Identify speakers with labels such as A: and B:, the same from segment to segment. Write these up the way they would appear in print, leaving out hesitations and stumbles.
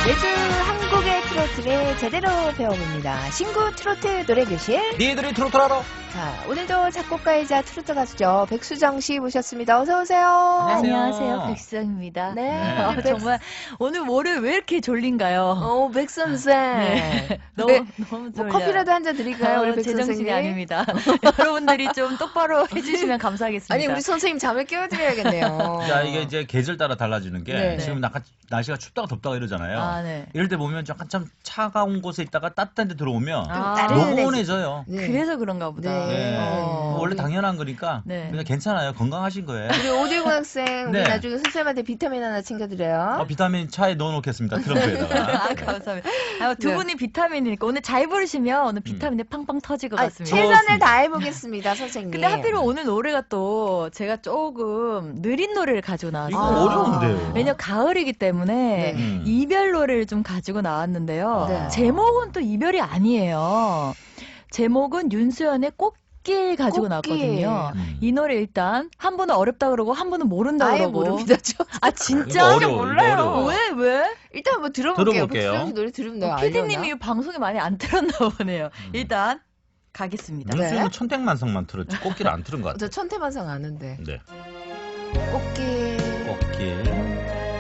A: 매주 한국의 트로트를 제대로 배워봅니다. 신구 트로트 노래교실.
B: 니들이 트로트를 알아?
A: 자, 오늘도 작곡가이자 트로트 가수죠. 백수정 씨 모셨습니다. 어서 오세요.
C: 안녕하세요. 백수정입니다.
A: 네.
C: 정말 오늘 월요일 왜 이렇게 졸린가요?
A: 백 선생.
C: 네.
A: 네.
C: 너무
A: 뭐
C: 졸려요.
A: 커피라도 한 잔 드릴까요, 우리 백
C: 제정신이
A: 선생님?
C: 아닙니다. 여러분들이 좀 똑바로 해주시면 감사하겠습니다.
A: 아니, 우리 선생님 잠을 깨워드려야겠네요.
B: 자, 이게 이제 계절 따라 달라지는 게
A: 네.
B: 지금 약간 날씨가 춥다가 덥다가 이러잖아요.
C: 아, 네.
B: 이럴 때 보면 약간 참 차가운 곳에 있다가 따뜻한 데 들어오면
A: 따뜻해지-
B: 노곤해져요.
A: 네.
C: 그래서 그런가 보다.
A: 네.
B: 원래 당연한 거니까
C: 네.
B: 그냥 괜찮아요. 건강하신 거예요.
A: 우리 오딜군 학생, 우리
B: 네.
A: 나중에 선생님한테 비타민 하나 챙겨드려요.
B: 비타민 차에 넣어놓겠습니다. 트렁크에다가.
C: 아, 감사합니다. 두
A: 네.
C: 분이 비타민이니까 오늘 잘 부르시면 오늘 비타민이 팡팡 터질 것 같습니다.
A: 최선을
B: 좋습니다.
A: 다해보겠습니다, 선생님.
C: 근데 하필이면 오늘 노래가 또 제가 조금 느린 노래를 가지고
B: 이거
C: 나왔어요.
B: 어려운데요.
C: 왜냐면 가을이기 때문에
A: 네.
C: 이별 노래를 좀 가지고 나왔는데요.
A: 네.
C: 제목은 또 이별이 아니에요. 제목은 윤수연의 꽃길 가지고
A: 꽃길.
C: 나왔거든요. 이 노래 일단 한 분은 어렵다 그러고 한 분은 모른다
A: 아예
C: 그러고.
A: 모릅니다. 저
C: 아 진짜?
B: 이거 어려워, 이거 어려워.
C: 왜?
A: 일단 한번 들어볼게요.
B: 들어볼게요.
A: 백수정 씨 노래 들으면 내가
C: PD님이
A: 알려나?
C: 방송에 많이 안 들었나 보네요. 일단 가겠습니다.
A: 네.
B: 윤수는 천택만성만 틀었지 꽃길 안 틀은 것
A: 저
B: 같아요.
A: 천태만상 아는데.
B: 네.
A: 꽃길.
B: 꽃길.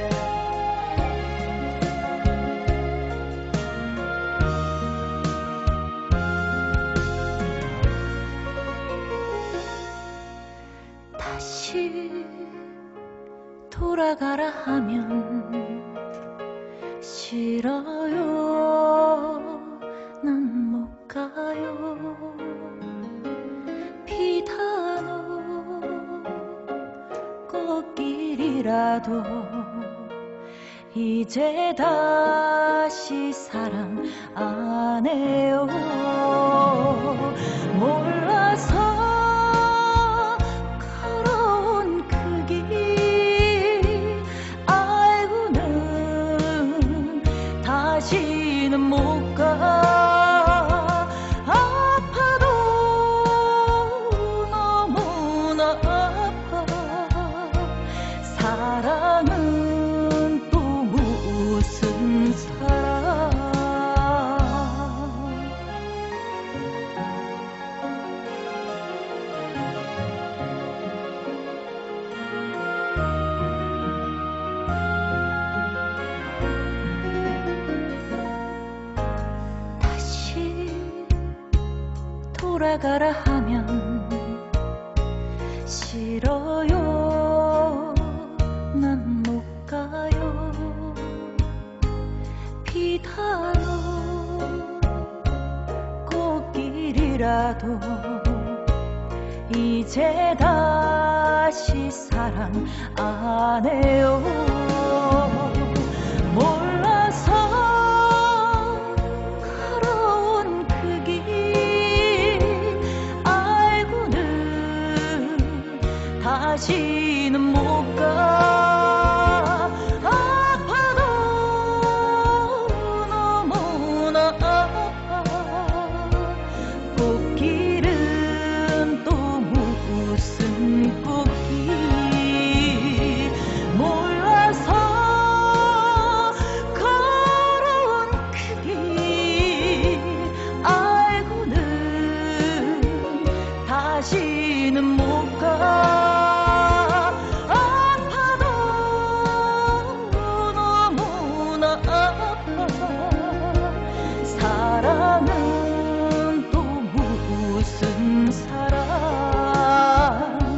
C: 다시 돌아가라 하면 싫어요. 난 못 가요. 비단오 꽃길이라도 이제 다시 사랑 안 해요. 몰라서 걸어온 그 길 알고는 다시는 못 가. 아파도 너무나 아파. 사랑은 또 무슨 사랑. 다시 돌아가라 하면 싫어요. 난 못 가요. 비단오 꽃길이라도 이제 다시 사랑 안 해요. 몰라서 걸어온 그 길 알고는 다시는 못 가. 아파도 너무나 아파. 꽃길은 또 무슨 꽃길. 몰라서 걸어온 그 길 알고는 다시는 못 가. 아파도 너무나 아파. 사랑은 또 무슨 사랑.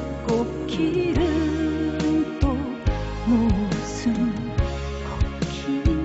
C: 꽃길은 또 무슨 꽃길.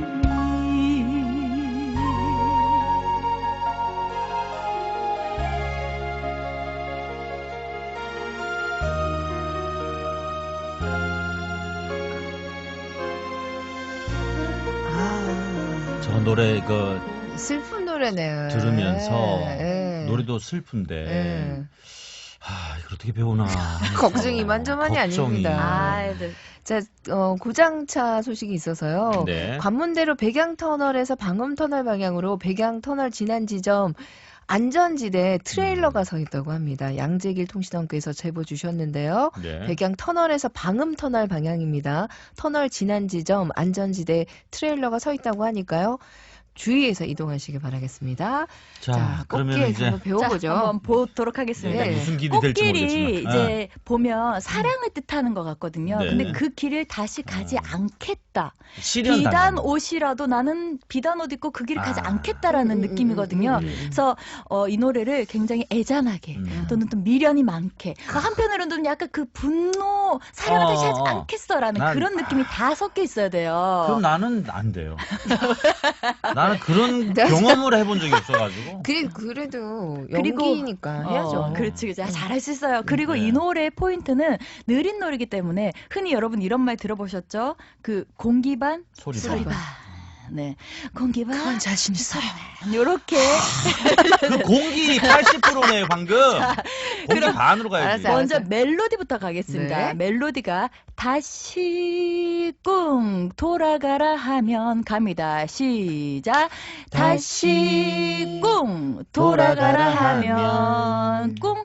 A: 아,
B: 저 노래
A: 슬픈 노래네.
B: 들으면서
A: 예.
B: 노래도 슬픈데
A: 예.
B: 이걸 어떻게 배우나
A: 걱정이 이만저만이
B: 걱정이.
A: 아닙니다. 자, 고장차 소식이 있어서요.
B: 네.
A: 관문대로 백양터널에서 방음터널 방향으로 백양터널 지난 지점
D: 안전지대 트레일러가 서 있다고 합니다. 양재길 통신원께서 제보 주셨는데요.
B: 네.
D: 백양 터널에서 방음 터널 방향입니다. 터널 지난 지점 안전지대 트레일러가 서 있다고 하니까요. 주의해서 이동하시길 바라겠습니다. 자,
B: 그러면
D: 꽃길
B: 이제
D: 한번 배워보죠.
C: 자, 한번 보도록 하겠습니다.
D: 네.
B: 무슨 길이 될지
C: 꽃길이
B: 모르겠지만.
C: 이제 보면 사랑을 뜻하는 것 같거든요.
B: 네.
C: 근데 그 길을 다시 가지 않겠다.
B: 실현
C: 비단
B: 당하는
C: 옷이라도 나는 비단 옷 입고 그 길을 가지
B: 아.
C: 않겠다라는 느낌이거든요. 그래서 이 노래를 굉장히 애잔하게 또는 또 미련이 많게 한편으로는 약간 그 분노 사랑을 다시 하지 않겠어라는
B: 난-
C: 그런 느낌이 다 섞여 있어야 돼요.
B: 그럼 나는 안 돼요. 나는 그런
D: 네.
B: 경험을 해본 적이 없어가지고.
D: 그래도
C: 그리고-
D: 연기니까 해야죠.
C: 그렇지, 그렇지. 잘할 수 있어요. 그리고
B: 네.
C: 이 노래의 포인트는 느린 노래이기 때문에 흔히 여러분 이런 말 들어보셨죠? 그 공기반,
B: 소리 봐.
C: 소리반. 네, 공기반,
D: 그건 자신 있어요.
C: 요렇게
B: 그 공기 80%네요 방금. 공기
C: 그럼-
B: 반으로 가야지.
D: 알았어요.
C: 먼저 멜로디부터 가겠습니다.
D: 네.
C: 멜로디가 다시 꿍 돌아가라 하면 갑니다. 시작. 다시 꿍 돌아가라 하면 꿍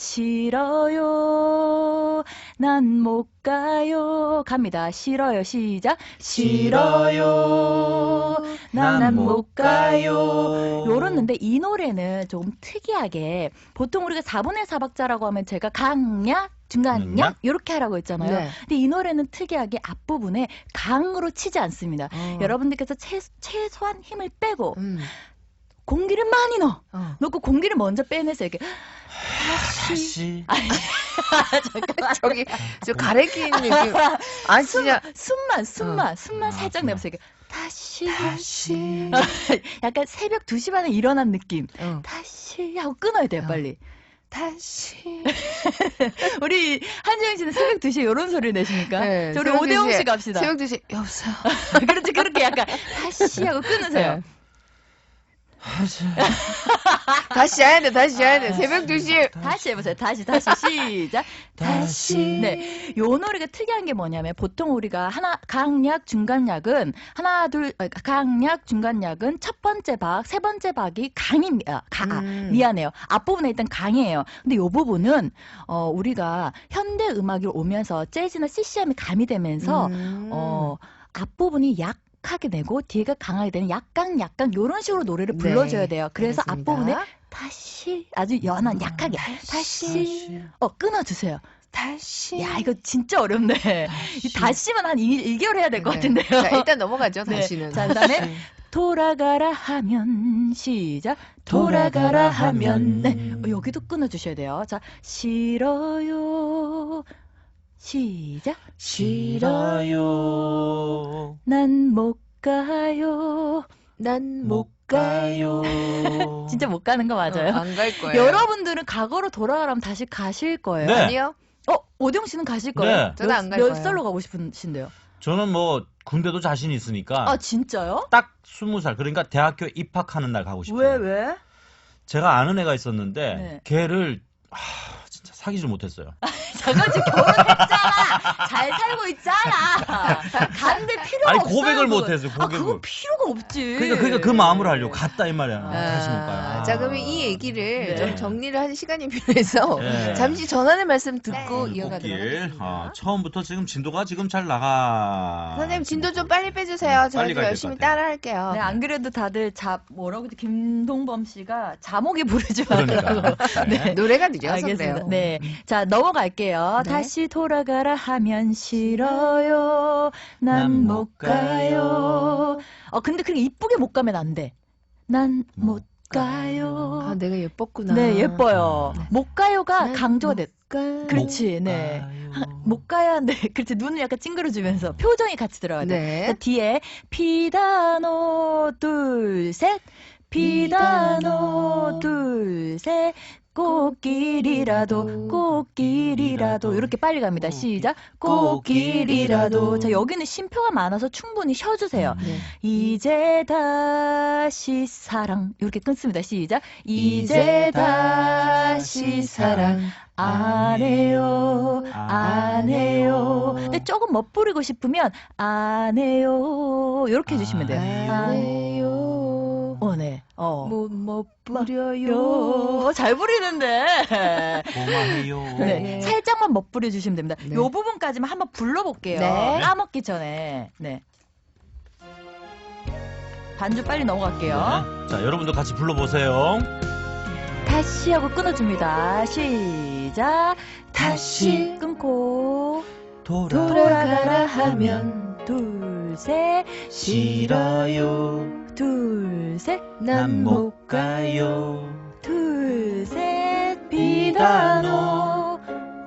C: 싫어요. 난 못 가요. 갑니다. 싫어요. 시작. 싫어요. 난 못 가요. 요렇는데 이 노래는 조금 특이하게 보통 우리가 4분의 4박자라고 하면 제가 강약 중간약
B: 약?
C: 이렇게 하라고 했잖아요.
D: 네.
C: 근데 이 노래는 특이하게 앞부분에 강으로 치지 않습니다. 여러분들께서 최소한 힘을 빼고 공기를 많이 넣고 공기를 먼저 빼내서 이렇게
B: 다시.
D: 저기 저 가래끼는 느낌. 아 진짜
C: 숨만
B: 아,
C: 살짝
B: 그래.
C: 내면서 이렇게 다시
D: 다시
C: 약간 새벽 2시 반에 일어난 느낌.
D: 어.
C: 다시 하고 끊어야 돼요, 빨리.
D: 다시
C: 우리 한지영 씨는 새벽 2시에 이런 소리를 내십니까?
D: 네,
C: 자, 우리
D: 새벽
C: 오대영
D: 2시에
C: 씨 갑시다.
D: 새벽 2시 여보세요.
C: 그렇지, 그렇게 약간 다시 하고 끊으세요.
D: 네. 다시 자야 돼. 다시 자야 돼. 새벽 2시
C: 다시 해보세요. 다시 시작.
B: 다시.
C: 네, 요 노래가 특이한 게 뭐냐면 보통 우리가 강약, 중간약은 강약, 중간약은 첫 번째 박, 세 번째 박이 강입니다. 미안해요. 앞부분에 일단 강이에요. 근데 요 부분은 우리가 현대 음악이 오면서 재즈나 CCM이 가미되면서 앞부분이 약하게 내고 뒤가 강하게 되는 약강 요런 식으로 노래를 불러줘야 돼요. 그래서
D: 알겠습니다.
C: 앞부분에 다시 아주 연한 약하게 다시 끊어주세요.
D: 다시
C: 야 이거 진짜 어렵네. 이 다시만 한 1개월 해야 될 것
D: 네.
C: 같은데요.
D: 자, 일단 넘어가죠.
C: 네.
D: 다시는.
C: 자, 그다음에 돌아가라 하면 시작. 돌아가라 하면 네. 여기도 끊어주셔야 돼요. 자 싫어요. 시작.
B: 싫어요.
C: 난 못 가요.
D: 난
B: 못 가요.
C: 진짜 못 가는 거 맞아요.
D: 안 갈 거예요.
C: 여러분들은 과거로 돌아가라면 다시 가실 거예요.
B: 네.
D: 아니요.
C: 오대영 씨는 가실 거예요?
B: 네.
D: 저는 안갈
C: 몇
D: 거예요.
C: 살로 가고 싶으신데요?
B: 저는 뭐 군대도 자신 있으니까
C: 아 진짜요?
B: 딱 20살 그러니까 대학교 입학하는 날 가고 싶어요.
C: 왜?
B: 제가 아는 애가 있었는데
C: 네.
B: 걔를 진짜 사귀질 못했어요.
C: 잠깐 지금 결혼했잖아. 잘 살고 있잖아. 간데 필요가
B: 아니
C: 없어요.
B: 고백을
C: 그건.
B: 못했어요.
C: 아
B: 고백을.
C: 그건 필요가 없지.
B: 그러니까 그 마음을 하려고 갔다 이 말이야.
C: 아,
B: 다시 못 가요.
D: 자, 그러면 이 얘기를
C: 네.
D: 좀 정리를 하는 시간이 필요해서
B: 네.
D: 잠시 전하는 말씀 듣고
B: 네.
D: 이어가도록
B: 꽃길.
D: 하겠습니다.
B: 처음부터 지금 진도가 지금 잘 나가.
D: 선생님 진도 좀 빨리 빼주세요.
B: 빨리
D: 저도
B: 가야
D: 열심히
B: 될것 같아요.
D: 따라할게요.
C: 네, 안 그래도 다들 뭐라고 김동범 씨가 자목이 부르지
B: 그러니까.
C: 말라고. 네.
D: 노래가 느려서
C: 알겠습니다.
D: 그래요.
C: 네. 자, 넘어갈게요.
D: 네.
C: 다시 돌아가라 하면 싫어요. 난 못 가요. 근데 그렇게 이쁘게 못 가면 안 돼. 난 못 가요.
D: 아, 내가 예뻤구나.
C: 네, 예뻐요.
B: 네.
C: 못 가요가
D: 난
C: 강조가
D: 못
C: 됐.
D: 가요.
C: 그렇지, 네. 못 가야 네, 그렇지. 눈을 약간 찡그려주면서 표정이 같이 들어가야 돼.
D: 네.
C: 자, 뒤에 피다노 둘 셋, 피다노 둘 셋. 꽃길이라도 이렇게 빨리 갑니다. 시작. 꽃길이라도. 자, 여기는 쉼표가 많아서 충분히 쉬어주세요.
D: 네.
C: 이제 다시 사랑 이렇게 끊습니다. 시작. 이제 다시 사랑 안 해요. 근데 조금 멋부리고 싶으면 안 해요. 이렇게 해주시면 돼요.
D: 안 해요.
C: 네.
D: 못 부려요.
C: 잘 부리는데.
B: 고마해요.
C: 네. 살짝만 멋부려 주시면 됩니다.
D: 네.
C: 요 부분까지만 한번 불러볼게요.
D: 네.
C: 까먹기 전에. 네. 반주 빨리 넘어갈게요.
B: 네. 자, 여러분도 같이 불러보세요.
C: 다시 하고 끊어줍니다. 시작. 다시 끊고
D: 돌아가라 하면
C: 둘, 셋.
B: 싫어요.
C: 둘, 셋.
D: 난 못
B: 가요.
C: 둘, 셋. 비단오.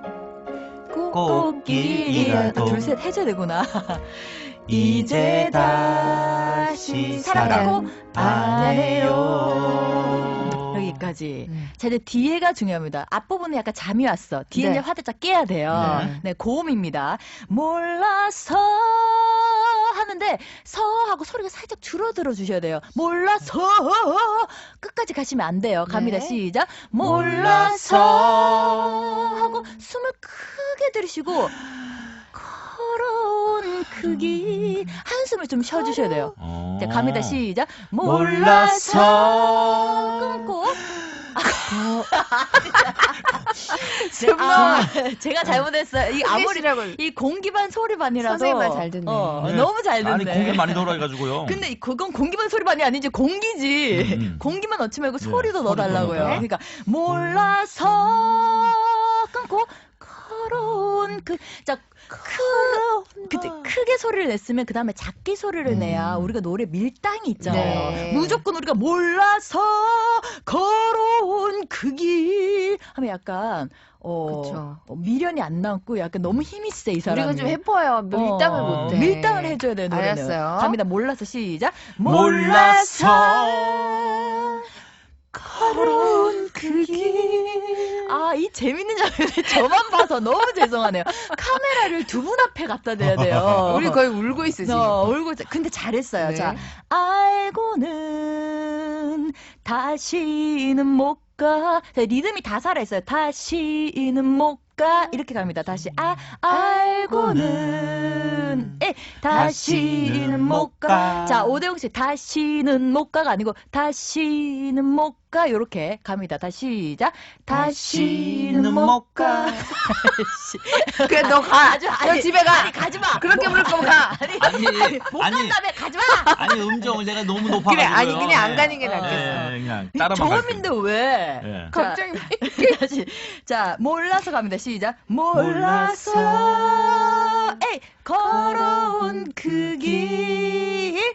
B: 꽃길이라도.
C: 둘, 셋 해줘야 되구나.
B: 이제 다시
C: 사랑하고
B: 안
C: 해요. 여기까지. 자, 이제 뒤에가 중요합니다. 앞부분은 약간 잠이 왔어. 뒤에
D: 네.
C: 이제 화들짝 깨야 돼요.
B: 네.
C: 네, 고음입니다. 몰라서 하는데 서 하고 소리가 살짝 줄어들어 주셔야 돼요. 몰라서 끝까지 가시면 안 돼요. 갑니다.
D: 네.
C: 시작. 몰라서 하고 숨을 크게 들이쉬고 걸어온 크기 한숨을 좀 쉬어주셔야 돼요. 자, 갑니다. 시작. 몰라서 끊고 제가 잘못했어요. 이 아무리 이 공기반 소리반이라서
D: 선생님만 잘 듣네.
B: 네.
C: 너무 잘 듣네.
B: 아니, 공기 많이 돌아가가지고요.
C: 근데 그건 공기반 소리반이 아니지 공기지. 공기만 넣지 말고
B: 네,
C: 소리도
B: 소리도
C: 넣어달라고요.
B: 넣어라.
C: 그러니까 몰라서 끊고 걸어온 그때 크게 소리를 냈으면 그 다음에 작게 소리를 내야 우리가 노래 밀당이 있잖아요.
D: 네.
C: 무조건 우리가 몰라서 걸어온 그 길 하면 약간
D: 그쵸.
C: 미련이 안 남고 약간 너무 힘이 세 이 사람이.
D: 우리가 좀 해봐요. 밀당을 못해.
C: 밀당을 해줘야 돼요 노래는.
D: 알았어요.
C: 갑니다. 몰라서 시작.
B: 몰라서
C: 걸어온 그 길. 아, 이 재밌는 장면을 저만 봐서 너무 죄송하네요. 카메라를 두 분 앞에 갖다 대야 돼요.
D: 우리 거의 울고 있어 지금.
C: 울고 있어. 근데 잘했어요.
D: 네.
C: 자, 알고는 다시는 못 가. 자, 리듬이 다 살아있어요. 다시는 못 가. 이렇게 갑니다. 다시 알고는 다시는 못 가. 자, 오대영 씨 다시는 못 가가 아니고 다시는 못 가. 요렇게 갑니다. 다시 시작. 다시는 못 가.
D: 그래 너 가. 너 집에 가.
C: 아니, 가지 마.
D: 그렇게 부를 거면 가.
C: 못 간다며 가지 마.
B: 아니, 음정을 내가 너무 높아가지고요.
D: 그래 아니 그냥 안 가는 게
B: 네,
D: 낫겠어.
B: 그냥 따라만
C: 저음인데 왜?
B: 네.
D: 갑자기
C: 다시. 자, 몰라서 갑니다. 시작.
B: 몰라서
C: 걸어온 그 길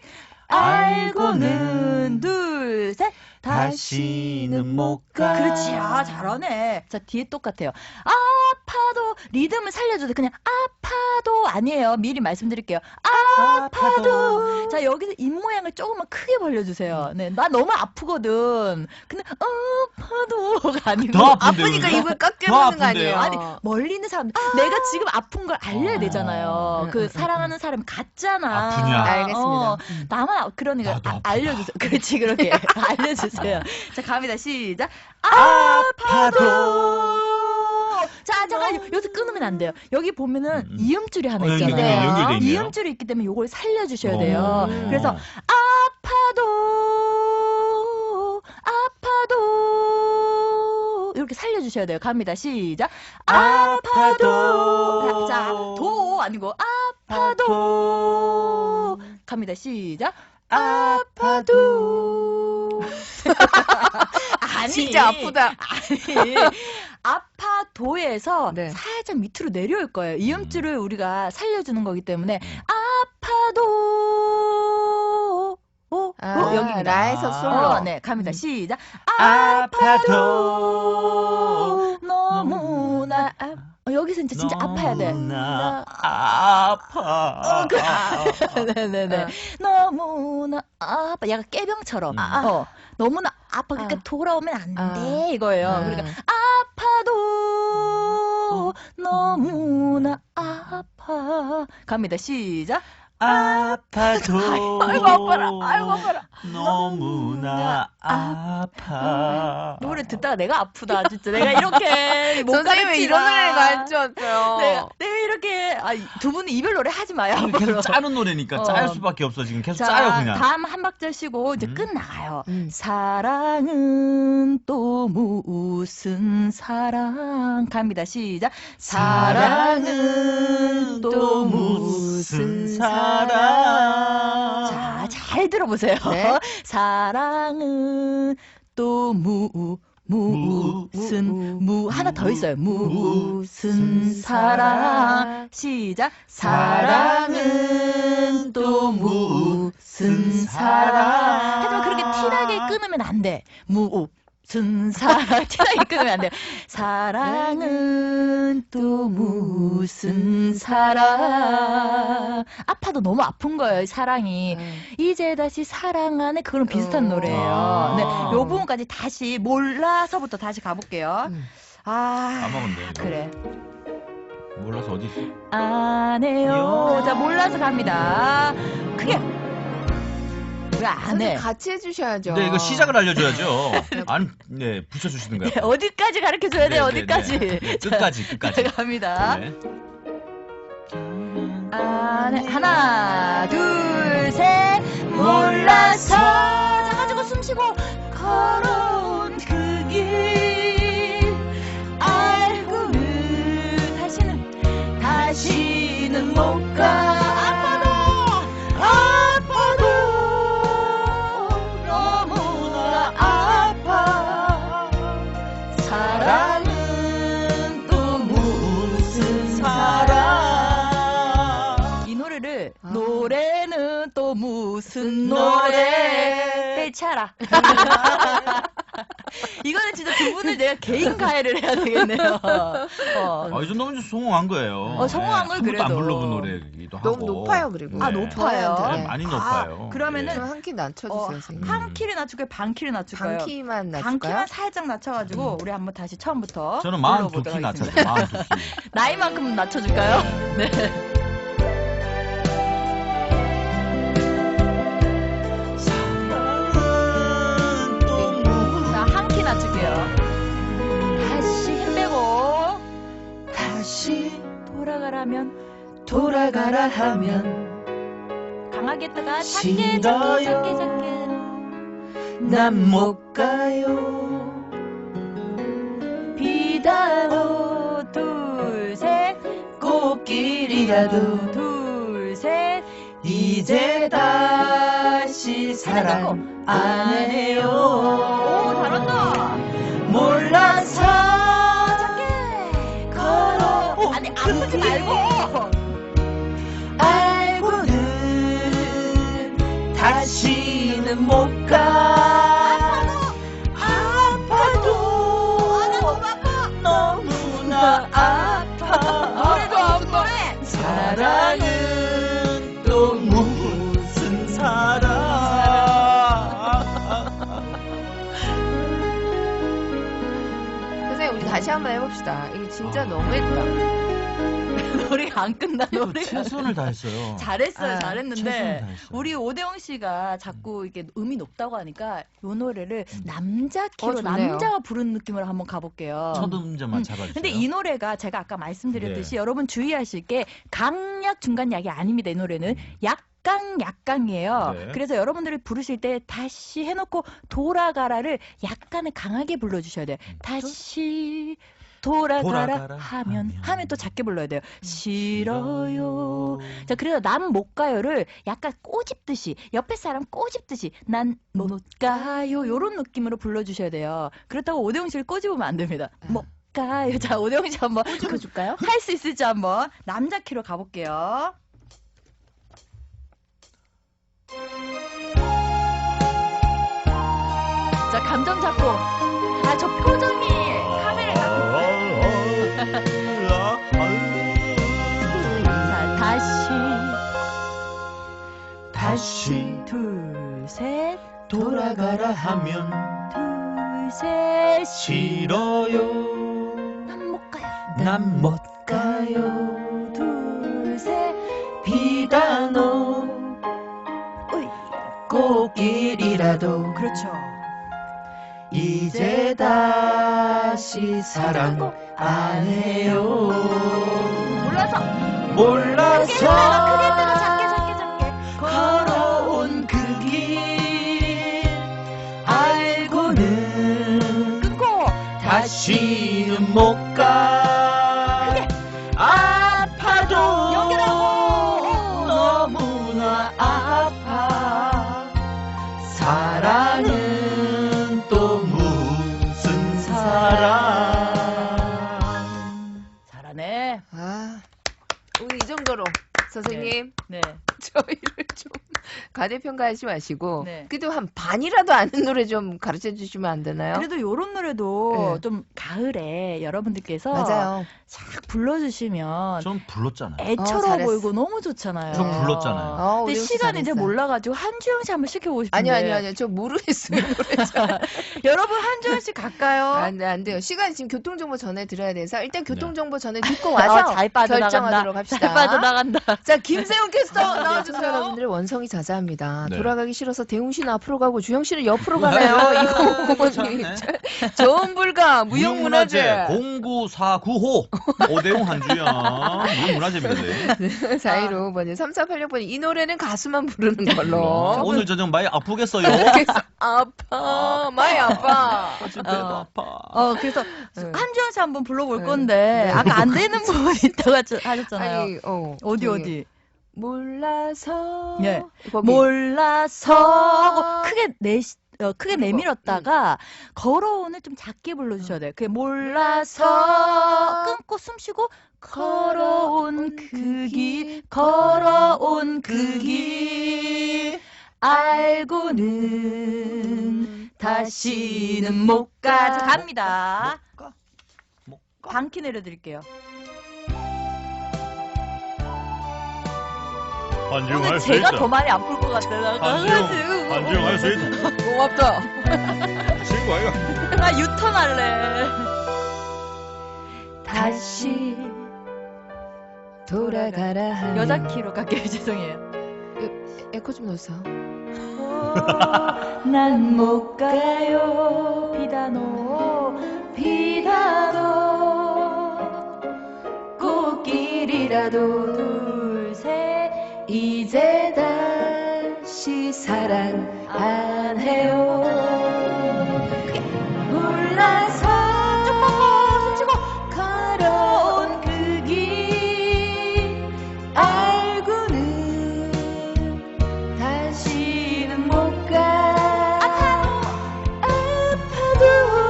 C: 알고는 둘, 셋.
B: 다시는 못 가.
C: 그렇지. 아, 잘하네. 자, 뒤에 똑같아요. 아파도 리듬을 살려줘도 그냥 아파도 아니에요. 미리 말씀드릴게요. 아파도. 자, 여기서 입 모양을 조금만 크게 벌려주세요. 네, 나 너무 아프거든. 근데 아파도가 아니고
B: 더 아픈데,
D: 아프니까
B: 여기가?
D: 입을 꽉
B: 더
D: 깨무는 거
B: 아픈데요?
D: 아니에요?
C: 아니 멀리 있는 사람 내가 지금 아픈 걸 알려야 되잖아요. 그 사랑하는 사람 같잖아.
B: 아프냐?
D: 알겠습니다.
C: 나만 그러니까
B: 나도 아프다.
C: 알려주세요. 그렇지 그렇게 알려주세요. 자 갑니다. 시작.
B: 아파도.
C: 자 잠깐 여기서 끊으면 안 돼요. 여기 보면은 이음줄이 하나
B: 여기
C: 있잖아요.
B: 연결돼 있네요.
C: 이음줄이 있기 때문에 이걸 살려주셔야 돼요. 그래서 아파도 이렇게 살려주셔야 돼요. 갑니다. 시작. 아파도. 자, 도 아니고 아파도. 갑니다. 시작. 아파도. 아니,
D: 진짜 아프다.
C: 아니, 아파도에서
D: 네.
C: 살짝 밑으로 내려올 거예요. 이음줄을 우리가 살려주는 거기 때문에 아파도. 여기입니다.
D: 라에서 솔로.
C: 네, 갑니다. 시작.
B: 아파도.
C: 너무나 여기서 진짜 아파야 돼.
B: 너무나 아파.
C: 네네네. 너무나 아파. 약간 깨병처럼. 너무나 아파. 그러니까 돌아오면 안 돼. 이거예요. 그러니까 아파도 너무나 아파. 갑니다. 시작.
B: 아파도
C: 아이고 아파라. 아이고 아파라.
B: 너무나 아파.
C: 노래 듣다가 내가 아프다 진짜. 내가 이렇게 못
D: 선생님 왜 이런 노래를
C: 가르치나.
D: 가르쳐왔어요?
C: 내가 이렇게 두 분은 이별 노래 하지 마요.
B: 계속
C: 앞으로.
B: 짜는 노래니까 짤 수밖에 없어 지금 계속
C: 자,
B: 짜요 그냥.
C: 다음 한 박자 쉬고 이제
B: 음.
C: 끝나가요.
D: 음.
C: 사랑은 또 무슨 사랑 갑니다. 시작. 사랑은 또 무슨
B: 사랑.
C: 자, 잘 들어보세요.
D: 네.
C: 사랑은 또 무슨 하나 더 있어요. 무슨 사랑. 시작. 사랑은 또 무슨 사랑. 하지만 그렇게 티나게 끊으면 안 돼. 무슨 사랑. 티나게 끊으면 안 돼. 사랑은 또 무슨 사랑. 아파도 너무 아픈 거예요, 이 사랑이. 이제 다시 사랑하네. 그거랑 비슷한 노래예요.
B: 아.
C: 네, 요 부분까지 다시 몰라서부터 다시 가볼게요. 아,
B: 까먹었네.
C: 그래.
B: 몰라서 어디 있어?
C: 안 해요. 자, 몰라서 갑니다. 크게. 왜 안
D: 선생님
C: 해?
D: 같이 해주셔야죠.
B: 네, 이거 시작을 알려줘야죠. 안, 네, 붙여주시든가요.
C: 네, 어디까지 가르쳐 줘야 돼?
B: 네, 네,
C: 어디까지?
B: 네, 네, 끝까지, 끝까지.
C: 자, 갑니다.
B: 네.
C: 안 해. 하나, 둘, 셋. 몰라서. 자, 가지고 숨 쉬고 걸어온 그 길. 알고는 다시는 못 가. 아파도 너무나 아파. 사랑은 또 무슨 사랑. 이 노래를 노래는 또 무슨 노래 떼차라. 이거는 진짜 두 분을 내가 개인 가해를 해야 되겠네요.
B: 아, 이 정도면 좀 성공한 거예요.
C: 성공한 걸
B: 한 번도 안
C: 그래도.
B: 불러본 노래이기도 하고.
D: 너무 높아요 그리고.
C: 아, 높아요?
B: 네,
D: 네.
B: 많이
C: 아,
B: 높아요.
C: 그러면은
B: 네.
D: 한 키 낮춰주세요 선생님.
C: 한 키를 낮출까요? 반 키를 낮출까요?
D: 반 키만
C: 반
D: 낮출까요?
C: 키만 살짝 낮춰가지고 우리 한번 다시 처음부터
B: 저는
C: 불러보도록
B: 42키 낮춰요.
C: 하겠습니다.
B: 42키.
C: 나이만큼 낮춰줄까요? 네. 자, 한 키 낮출게요. 다시 힘 빼고 다시 돌아가라 하면 강하게 했다가 작게 작게
B: 난 못 가요.
C: 비단호 둘셋 꽃길이라도 둘셋
B: 이제 다시 사랑 안 해요.
C: 오, 잘한다.
B: 몰라서
C: 작게 걸어. 아니 아프지 말고.
B: 알고는 다시는 못 가. 아파도 너무나 아파.
C: 노래도 안 노래.
B: 사랑은 또 무슨 사랑.
D: 선생님 우리 다시 한번 해봅시다. 이거 진짜 너무했다.
C: 노래가 안 끝나. 노래가
B: 최선을 다했어요.
C: 잘했어요.
D: 아,
C: 잘했는데
B: 최선을 다했어요.
C: 우리 오대영 씨가 자꾸 이게 음이 높다고 하니까 이 노래를 남자 키로
D: 좋네요.
C: 남자가 부르는 느낌으로 한번 가볼게요.
B: 첫 음자만 잡아주세요.
C: 근데 이 노래가 제가 아까 말씀드렸듯이
B: 네.
C: 여러분 주의하실 게 강약 중간 약이 아닙니다. 이 노래는 약강이에요.
B: 네.
C: 그래서 여러분들이 부르실 때 다시 해놓고 돌아가라를 약간은 강하게 불러주셔야 돼요. 다시 돌아가라 하면 또 작게 불러야 돼요. 싫어요. 자, 그래서 난 못 가요를 약간 꼬집듯이 옆에 사람 꼬집듯이 난 못 가요 요런 느낌으로 불러주셔야 돼요. 그렇다고 오대영 씨를 꼬집으면 안 됩니다. 못 가요. 자, 오대영 씨 한번
A: 찍어줄까요?
C: 할 수 있을지 한번 남자 키로 가볼게요. 자, 감정 잡고. 아, 저 표정이 카메라에 자, 다시 둘, 셋
B: 돌아가라 하면
C: 둘, 셋
B: 싫어요.
C: 난 못 가요.
B: 난 못 가요.
C: 둘, 셋 비단
D: 비단오
A: 어이.
D: 꽃길이라도
A: 그렇죠.
D: 이제 다시 사랑 안 해요.
C: 몰라서
D: 몰라서
C: 크게 들어 작게
D: 걸어온 그 길 알고는
C: 끊고
D: 다시는 못 가. 아파도
C: 연결하고.
D: 너무나 아파. 사랑은 또 무슨 사랑.
C: 잘하네.
D: 아, 우리 이 정도로 선생님
C: 네.
D: 저희를 좀 과대평가하지 마시고
C: 네.
D: 그래도 한 반이라도 아는 노래 좀 가르쳐 주시면 안 되나요?
C: 그래도 요런 노래도
D: 네.
C: 좀 가을에 여러분들께서
D: 맞아요.
C: 싹 불러주시면
B: 전 불렀잖아요.
C: 애처로
D: 잘했어.
C: 보이고 너무 좋잖아요.
B: 전 불렀잖아요.
C: 근데
D: 우리
C: 시간이 이제
D: 잘했어요.
C: 몰라가지고 한주영 씨 한번 시켜보고 싶은데.
D: 아니요. 저 모르겠어요. 노래 잘.
C: 여러분 한주영 씨 갈까요?
D: 안 돼요. 시간이 지금 교통정보 전해 드려야 돼서 일단 교통정보 전해 듣고
C: 어,
D: 와서
C: 잘 빠져나간다.
D: 결정하도록 합시다.
C: 잘 빠져나간다.
D: 자, 김세훈 캐스터
C: 네,
D: 나와주세요. 여러분들 원성이 자자합니다.
B: 네.
D: 돌아가기 싫어서 대웅 씨는 앞으로 가고 주영 씨는 옆으로 가나요? 이거
B: 네.
D: 좋은 불가 무형문화재.
B: 09495 오대용 한주영 무형문화재입니다.
D: 415번에 3486번에 이 노래는 가수만 부르는 걸로.
B: 오늘 저녁 많이 아프겠어요.
D: 그래서 아파 많이 아파.
B: 지금 배도 아파.
C: 그래서
D: 네.
C: 한주영 씨 한번 불러볼
D: 네.
C: 건데
D: 네.
C: 아까 안 되는 부분이 있다고 하셨잖아요.
D: 아니
C: 어디
D: 저기,
C: 어디?
D: 몰라서
C: 네.
D: 거기.
C: 몰라서 하고 크게
D: 그리고,
C: 내밀었다가 걸어온을 좀 작게 불러주셔야 돼요. 그게 몰라서 끊고 숨 쉬고 걸어온 그 길 걸어온 그 길 알고는 다시는 못 가. 자, 갑니다.
B: 못 가.
C: 반키 내려드릴게요.
B: 한주영
C: 오늘 제가 더 많이 아플 것 같아요.
B: 한주영 할 수 있다.
D: 고맙다.
B: 친구 아이가.
C: 나 유턴할래.
D: 다시 돌아가라 하는
C: 여자 키로 갈게요. 죄송해요.
D: 에코 좀 넣으세요.
C: 난 못 가요. 비단오 꽃길이라도 둘셋
D: 이제 다시 사랑 안 해요.
C: 몰라서 좀 숨 쉬고
D: 걸어온 그 길 알고는 다시는 못 가. 아파도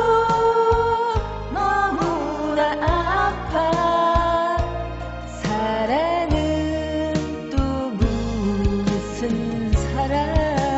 D: 너무나 아파. 사랑은 또 무슨 사랑.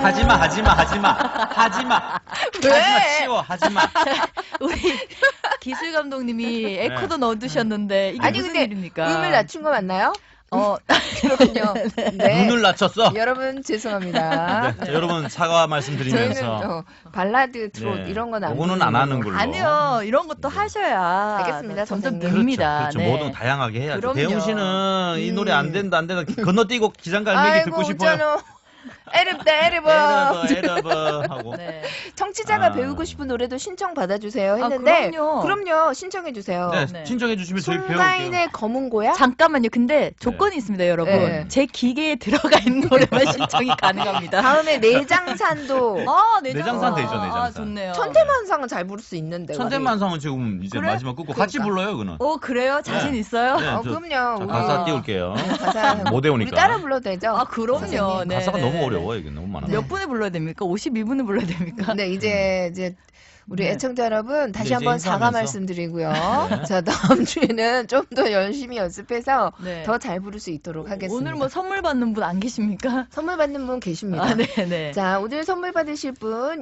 B: 하지마. 치워 하지마.
C: 우리 기술 감독님이 에코도 넣어두셨는데 이게
D: 아니,
C: 무슨
D: 근데
C: 일입니까?
D: 음을 낮춘 거 맞나요?
C: 어,
D: 그렇군요. 네.
B: 눈을 낮췄어.
D: 여러분 죄송합니다.
B: 자, 여러분 사과
D: 저희는
B: 말씀드리면서
D: 발라드, 트롯
B: 네.
D: 이런 건 안.
B: 요거는 안 하는 걸로.
C: 아니요 이런 것도
B: 네.
C: 하셔야
D: 알겠습니다,
C: 점점
D: 선생님.
C: 늡니다.
B: 그렇죠.
C: 네.
B: 뭐든 다양하게 해야죠.
C: 그럼요.
B: 대웅 씨는 이 노래 안 된다 건너뛰고 기장갈매기 듣고 싶어요.
D: 웃잖아. 에르버.
B: 에러버 하고.
C: 네.
D: 청취자가
B: 아.
D: 배우고 싶은 노래도 신청 받아주세요 했는데
C: 그럼요.
D: 신청해 주세요.
B: 네,
C: 네.
B: 신청해 주시면 저희 배울게요.
D: 송가인의 검은 고야?
C: 잠깐만요. 근데 조건이 있습니다, 여러분.
D: 네.
C: 제 기계에 들어가 있는 노래만 신청이 가능합니다.
D: 다음에 내장산도
C: 아,
B: 내장산 되죠, 내장산.
C: 아, 좋네요.
D: 천태만상은 잘 부를 수 있는데.
B: 천재만상은 지금 이제
C: 그래?
B: 마지막 끝고 같이
D: 그러니까.
B: 불러요, 그는.
C: 그래요? 자신
B: 네.
C: 있어요?
B: 네, 저-
D: 그럼요.
B: 자,
D: 우리
B: 가사 띄울게요.
D: 가사
B: 못
D: 우리
B: 외우니까.
D: 따라 불러도 되죠?
C: 아, 그럼요.
D: 선생님.
C: 네,
B: 가사가
C: 네,
B: 너무
C: 네.
B: 어려워 이게 너무 많아.
C: 몇 분에 불러야 됩니까? 52분에 불러야 됩니까?
D: 네, 이제 우리
C: 네.
D: 애청자 여러분 다시
B: 이제
D: 한번 사과
B: 인사하면서.
D: 말씀드리고요.
B: 네.
D: 자, 다음 주에는 좀 더 열심히 연습해서
C: 네.
D: 더 잘 부를 수 있도록 하겠습니다.
C: 오늘 뭐 선물 받는 분 안 계십니까?
D: 선물 받는 분 계십니다.
C: 아, 네, 네.
D: 자, 오늘 선물 받으실 분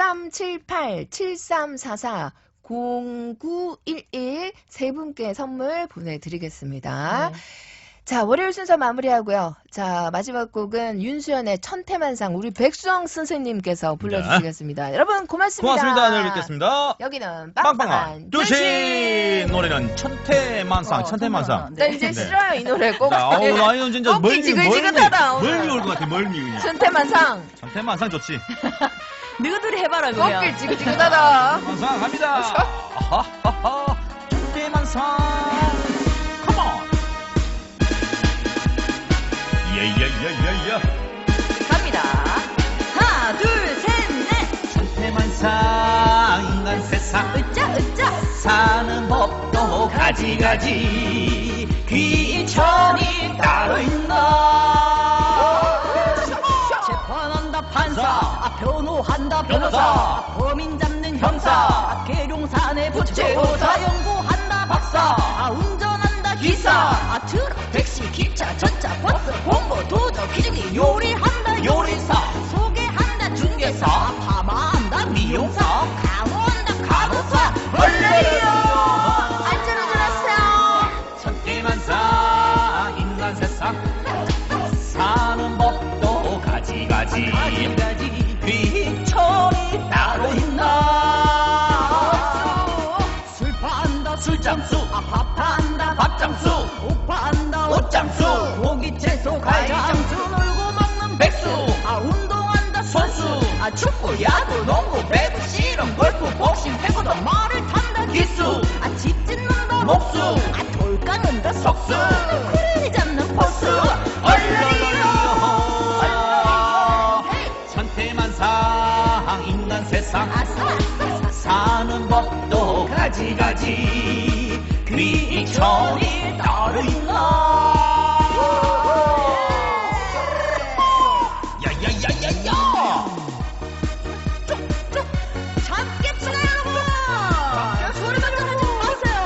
D: 6378-7344 0911 세 분께 선물 보내드리겠습니다.
C: 네.
D: 자, 월요일 순서 마무리하고요. 자, 마지막 곡은 윤수연의 천태만상 우리 백수영 선생님께서 불러주시겠습니다. 여러분 고맙습니다.
B: 고맙습니다. 내일 뵙겠습니다.
D: 여기는
B: 빵빵한
D: 빵빵한
B: 두시 노래는 천태만상. 천태만상.
D: 나 이제
B: 네.
D: 싫어요 이 노래 꼭.
B: 나 이건 진짜
D: 꺾기 지글지글하다, 오늘.
B: 멀미 올 것 같아. 멀미 그냥.
D: 천태만상.
B: 천태만상 좋지.
C: 너희들이 해봐라 그냥.
D: 꺾기 지글지글하다.
B: 만상 갑니다. 아하하하. 천태만상. Come on. 예예예예예.
C: 갑니다. 하나, 둘, 셋, 넷.
B: 천태만상 인간 세상
C: 으짜, 으짜.
B: 사는 법도 가지가지 귀천이 따로 있나.
C: 재판한다 판사,
B: 사.
C: 변호한다 변호사,
B: 변호사.
C: 범인 잡는
B: 형사.
C: 형사, 계룡산에 부채호사, 연구한다 박사, 운전한다 기사, 트럭, 택시, 기차, 전차, 버스, 공고, 도적, 기증기, 요리한다 요리사, 소개한다 중개사, 파마한다 미용사, 간호한다 간호사, 원래요 안전운전하세요.
B: 천태만상 인간 세상 사는 법도 가지가지 귀천이 따로 있나.
C: 술 판다
B: 술장수
C: 밥판다
B: 밥장수
C: 옷 판다
B: 옷장수
C: 고기 채소 과장수 놀고 먹는 백수 운동한다 선수 축구 야구 농구 배구 실험 골프 복싱 태권도 말을 탄다 기수 집 짓는다
B: 목수
C: 돌 깎는다 석수 쿠르니 잡는 포수 얼른이요
B: 천태만상 인간 세상
C: 아싸
B: 사는 법도 가지가지 귀천이 따로 있나. 야야야야야.
C: 잡겠습니다 여러분 소리만 좀 하지 마세요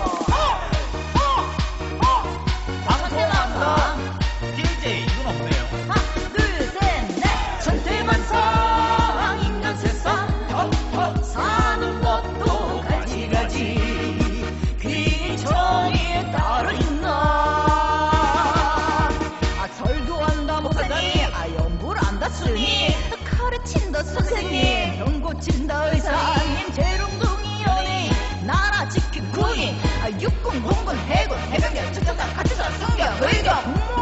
B: 방송한다. DJ 이건 없네요.
C: 하나 둘셋넷
B: 천태만상 인간 세상 사는 법도 가지가지 귀천이 따로 있나.
C: 설교한다 목사님 연구를 한다 스님 가르친다 선생님 병 고친다 의사님 재롱둥이 연예인 나라 지킨 군인 육군 공군 해군 해병대 특전사 가치사 승격 의경